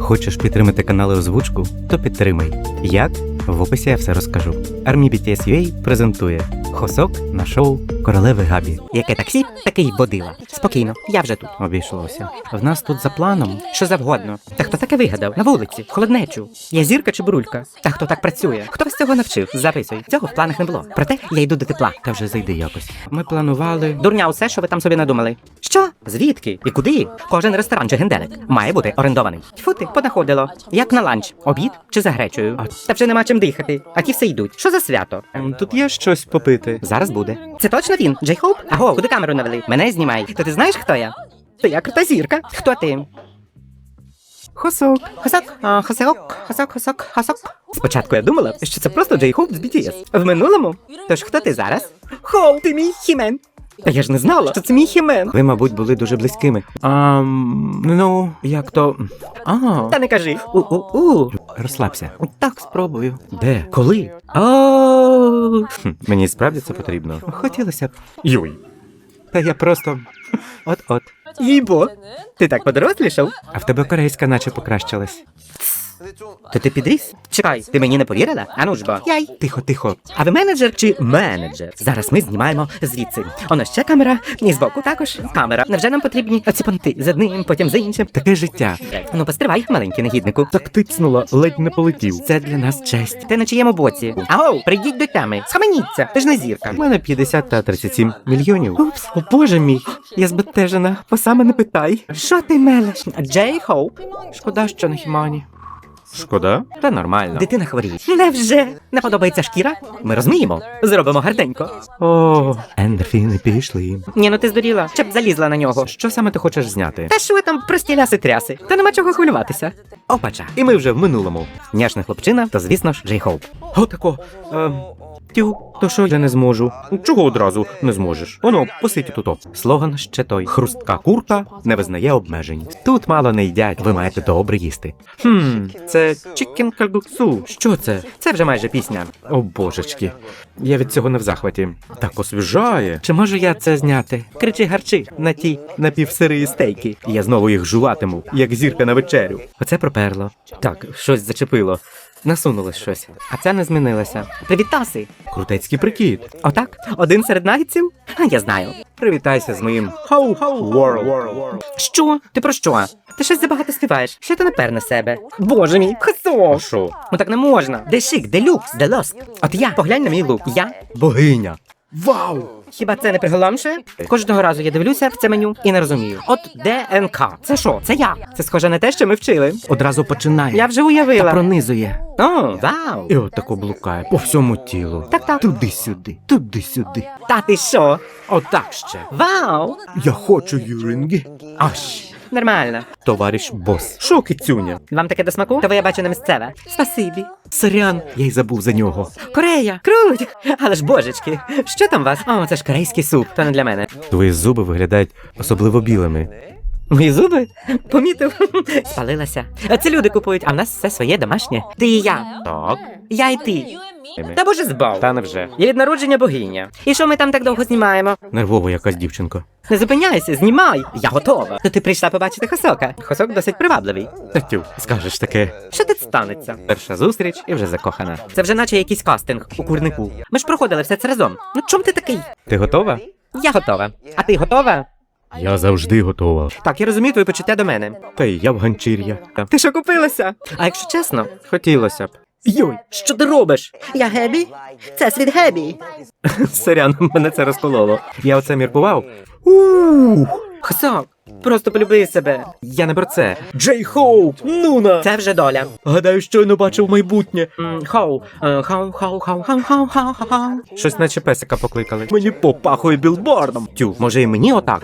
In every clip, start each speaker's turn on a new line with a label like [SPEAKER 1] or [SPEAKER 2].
[SPEAKER 1] Хочеш підтримати канали озвучку? То підтримай. Як? В описі я все розкажу. Армі BTS.UA презентує Хосок на шоу Королеви Габі.
[SPEAKER 2] Яке таксі, такий водила. Спокійно, я вже тут.
[SPEAKER 1] Обійшлося. В нас тут за планом.
[SPEAKER 2] Що завгодно. Та хто таке вигадав? На вулиці, в холоднечу. Я зірка чи бурулька? Та хто так працює? Хто вас цього навчив? Записуй. Цього в планах не було. Проте я йду до тепла.
[SPEAKER 1] Та вже зайди якось. Ми планували.
[SPEAKER 2] Дурня усе, що ви там собі надумали. Що? Звідки? І куди? Кожен ресторан чи генделик має бути орендований. Тьфу ти, понаходило. Як на ланч? Обід чи за гречею? Та вже нема чим дихати. А ті все йдуть. Що за свято?
[SPEAKER 1] Тут є щось попити.
[SPEAKER 2] Зараз буде. Це точно він? Джей Хоуп? Аго, куди камеру навели? Мене знімай. То ти знаєш, хто я? То я крута зірка. Хто ти?
[SPEAKER 1] Хосок.
[SPEAKER 2] Хосок. Спочатку я думала, що це просто Джей Хоуп з BTS. В минулому? Тож хто ти зараз? Хоу, ти мій хімен. Та я ж не знала, що це мій хімен.
[SPEAKER 1] Ви, мабуть, були дуже близькими. Ну, як то.
[SPEAKER 2] Та не кажи.
[SPEAKER 1] Розслабся.
[SPEAKER 2] Так спробую.
[SPEAKER 1] Де?
[SPEAKER 2] Коли?
[SPEAKER 1] Мені справді це потрібно. Хотілося б. Юй. Та я просто. От-от.
[SPEAKER 2] Їбо. Ти так подорослішав?
[SPEAKER 1] А в тебе корейська наче покращилась.
[SPEAKER 2] То ти підріс? Чекай, ти мені не повірила? Ану ж бо. Яй.
[SPEAKER 1] Тихо.
[SPEAKER 2] А ви менеджер чи менеджер? Зараз ми знімаємо звідси. Оно ще камера, і збоку також камера. Невже нам потрібні оці понти з одним, потім з іншим?
[SPEAKER 1] Таке життя.
[SPEAKER 2] Ну постривай, маленький негіднику.
[SPEAKER 1] Так тицнула, ледь не полетів. Це для нас честь.
[SPEAKER 2] Ти на чиєму боці? Аго, прийдіть до теми. Схаменіться, ти ж не зірка.
[SPEAKER 1] У мене 50 та 37 мільйонів.
[SPEAKER 2] Упс, о боже мій. Я збентежена, бо саме не питай. Що ти мелеш? Джей Хоуп.
[SPEAKER 1] Шкода, що на Хімані. Шкода? Та нормально.
[SPEAKER 2] Дитина хворіє. Невже? Не подобається шкіра? Ми розуміємо. Зробимо гарненько.
[SPEAKER 1] О, ендорфіни пішли.
[SPEAKER 2] Ні, ну ти здуріла. Ще б залізла на нього.
[SPEAKER 1] Що саме ти хочеш зняти?
[SPEAKER 2] Та що ви там прості ляси-тряси? Та нема чого хвилюватися. Опача.
[SPEAKER 1] І ми вже в минулому.
[SPEAKER 2] Няшна хлопчина, то звісно ж Джей Хоуп.
[SPEAKER 1] Отако. То що я не зможу? Чого одразу не зможеш? Воно, посидь тут. Слоган ще той. Хрустка курка не визнає обмежень. Тут мало не їдять, ви маєте добре їсти. Це чікен кальгуксу. Що це?
[SPEAKER 2] Це вже майже пісня.
[SPEAKER 1] О, божечки. Я від цього не в захваті. Так освіжає. Чи можу я це зняти?
[SPEAKER 2] Кричи-гарчи на ті напівсирі стейки.
[SPEAKER 1] Я знову їх жуватиму, як зірка на вечерю.
[SPEAKER 2] Оце проперло. Так, щось зачепило. Насунулось щось. А це не змінилося. Привітаси!
[SPEAKER 1] Крутецький прикид.
[SPEAKER 2] Отак? Один серед нагідців? А я знаю.
[SPEAKER 1] Привітайся з моїм World.
[SPEAKER 2] Що? Ти про що? Ти щось забагато співаєш. Що ти напер на себе? Боже мій, хасо!
[SPEAKER 1] Що?
[SPEAKER 2] Ну так не можна. Де шик, де люкс, де лоск? От я, поглянь на мій лук. Я
[SPEAKER 1] Богиня. Вау!
[SPEAKER 2] Хіба це не приголомшує? Кожного разу я дивлюся в це меню і не розумію. От ДНК. Це що? Це я. Це схоже на те, що ми вчили.
[SPEAKER 1] Одразу починає.
[SPEAKER 2] Я вже уявила.
[SPEAKER 1] Та пронизує.
[SPEAKER 2] О, вау.
[SPEAKER 1] І отако блукає по всьому тілу.
[SPEAKER 2] Так.
[SPEAKER 1] Туди-сюди, туди-сюди.
[SPEAKER 2] Та ти що?
[SPEAKER 1] Отак ще.
[SPEAKER 2] Вау.
[SPEAKER 1] Я хочу юринги. Аж.
[SPEAKER 2] Нормально.
[SPEAKER 1] Товариш бос. Шо, кицюня?
[SPEAKER 2] Вам таке до смаку? То ви, я бачу, не місцеве. Спасибі.
[SPEAKER 1] Сорян, я й забув за нього.
[SPEAKER 2] Корея. Круть. Але ж божечки. Що там у вас? О, це ж корейський суп. То не для мене.
[SPEAKER 1] Твої зуби виглядають особливо білими.
[SPEAKER 2] Мої зуби? Помітив? Спалилася. Це люди купують, а в нас все своє домашнє. Ти і я.
[SPEAKER 1] Так.
[SPEAKER 2] Я і ти. Та боже збав.
[SPEAKER 1] Та невже.
[SPEAKER 2] Я від народження богиня. І що ми там так довго знімаємо?
[SPEAKER 1] Нервово якась дівчинка.
[SPEAKER 2] Не зупиняйся, знімай. Я готова. То ти прийшла побачити Хосока. Хосок досить привабливий.
[SPEAKER 1] Татю, скажеш таке.
[SPEAKER 2] Що тут станеться?
[SPEAKER 1] Перша зустріч і вже закохана.
[SPEAKER 2] Це вже наче якийсь кастинг у курнику. Ми ж проходили все це разом. Ну чом ти такий?
[SPEAKER 1] Ти готова?
[SPEAKER 2] Я готова. А ти готова?
[SPEAKER 1] Я завжди готова.
[SPEAKER 2] Так, я розумію твої почуття до мене.
[SPEAKER 1] Та й я в ганчір'я.
[SPEAKER 2] Ти що купилася? А якщо чесно?
[SPEAKER 1] Хотілося б.
[SPEAKER 2] Йой, що ти робиш? Я Гебі? Це світ Гебі.
[SPEAKER 1] Сорян, мене це розкололо. Я оце міркував.
[SPEAKER 2] Хосок, просто полюби себе.
[SPEAKER 1] Я не про це. Джей Хоуп! Нуна!
[SPEAKER 2] Це вже доля.
[SPEAKER 1] Гадаю, щойно бачив майбутнє.
[SPEAKER 2] Хоу. Хоу.
[SPEAKER 1] Щось наче песика покликали. Мені попахує білбордом. Тю, може і мені отак?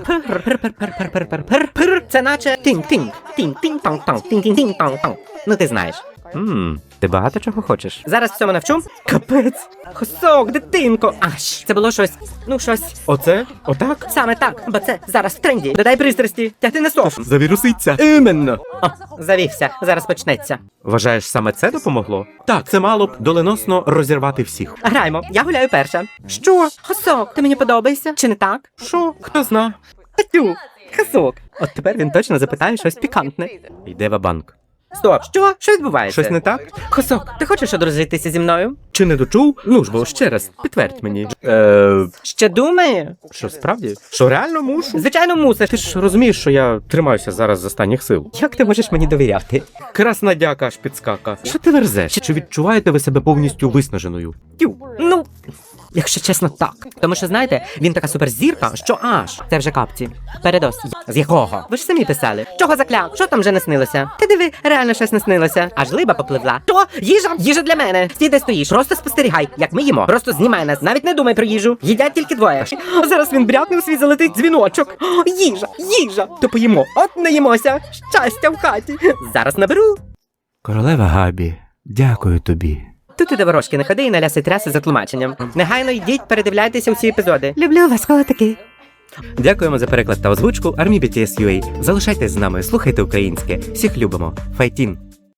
[SPEAKER 2] Пер. Це наче тинг-тинг. Тинг-тинг-танг-танг. Тинг-тинг-тинг-танг-танг. Ну ти знаєш.
[SPEAKER 1] Ти багато чого хочеш?
[SPEAKER 2] Зараз всьому навчу? Капець. Хосок, дитинко. Аж. Це було щось. Ну, щось.
[SPEAKER 1] Оце? Отак?
[SPEAKER 2] Саме так, бо це зараз в тренді. Додай пристрасті, тягти на сов.
[SPEAKER 1] Завіруситься. Іменно.
[SPEAKER 2] О, завівся. Зараз почнеться.
[SPEAKER 1] Вважаєш, саме це допомогло? Так, це мало б доленосно розірвати всіх.
[SPEAKER 2] Граємо. Я гуляю перша. Що? Хосок, ти мені подобаєшся? Чи не так?
[SPEAKER 1] Що? Хто зна?
[SPEAKER 2] Татю. Хосок. От тепер він точно запитає щось пікантне.
[SPEAKER 1] Йде ва-банк.
[SPEAKER 2] Стоп, що? Що відбувається?
[SPEAKER 1] Щось не так?
[SPEAKER 2] Хосок, ти хочеш одружитися зі мною?
[SPEAKER 1] Чи не дочув? Ну ж бо ще раз, підтвердь мені.
[SPEAKER 2] Ще думає?
[SPEAKER 1] Що справді? Що реально мушу?
[SPEAKER 2] Звичайно, мусиш.
[SPEAKER 1] Ти ж розумієш, що я тримаюся зараз з останніх сил.
[SPEAKER 2] Як ти можеш мені довіряти?
[SPEAKER 1] Красна дяка аж підскака. Що ти верзеш? Чи відчуваєте ви себе повністю виснаженою?
[SPEAKER 2] Тю, ну, якщо чесно, так. Тому що, знаєте, він така суперзірка, що аж. Це вже капці. Передос. З якого? Ви ж самі писали. Чого закляв? Що там вже не снилося? Ти диви, реально щось не снилося. Аж либа попливла. Що? Їжа? Їжа для мене. Стій, де стоїш. Просто спостерігай, як ми їмо. Просто знімай нас. Навіть не думай про їжу. Їдять тільки двоє. Зараз він брякне у свій золотий дзвіночок. О, їжа, їжа. То поїмо. От не їмося. Щастя в хаті. Зараз наберу.
[SPEAKER 1] Королева Габі, дякую тобі.
[SPEAKER 2] Тут і до ворожки не ходи і наляси тряси за тлумаченням. Негайно йдіть, передивляйтеся усі епізоди. Люблю вас, котики.
[SPEAKER 1] Дякуємо за переклад та озвучку Армі BTS UA. Залишайтесь з нами, слухайте українське. Всіх любимо. Файтін!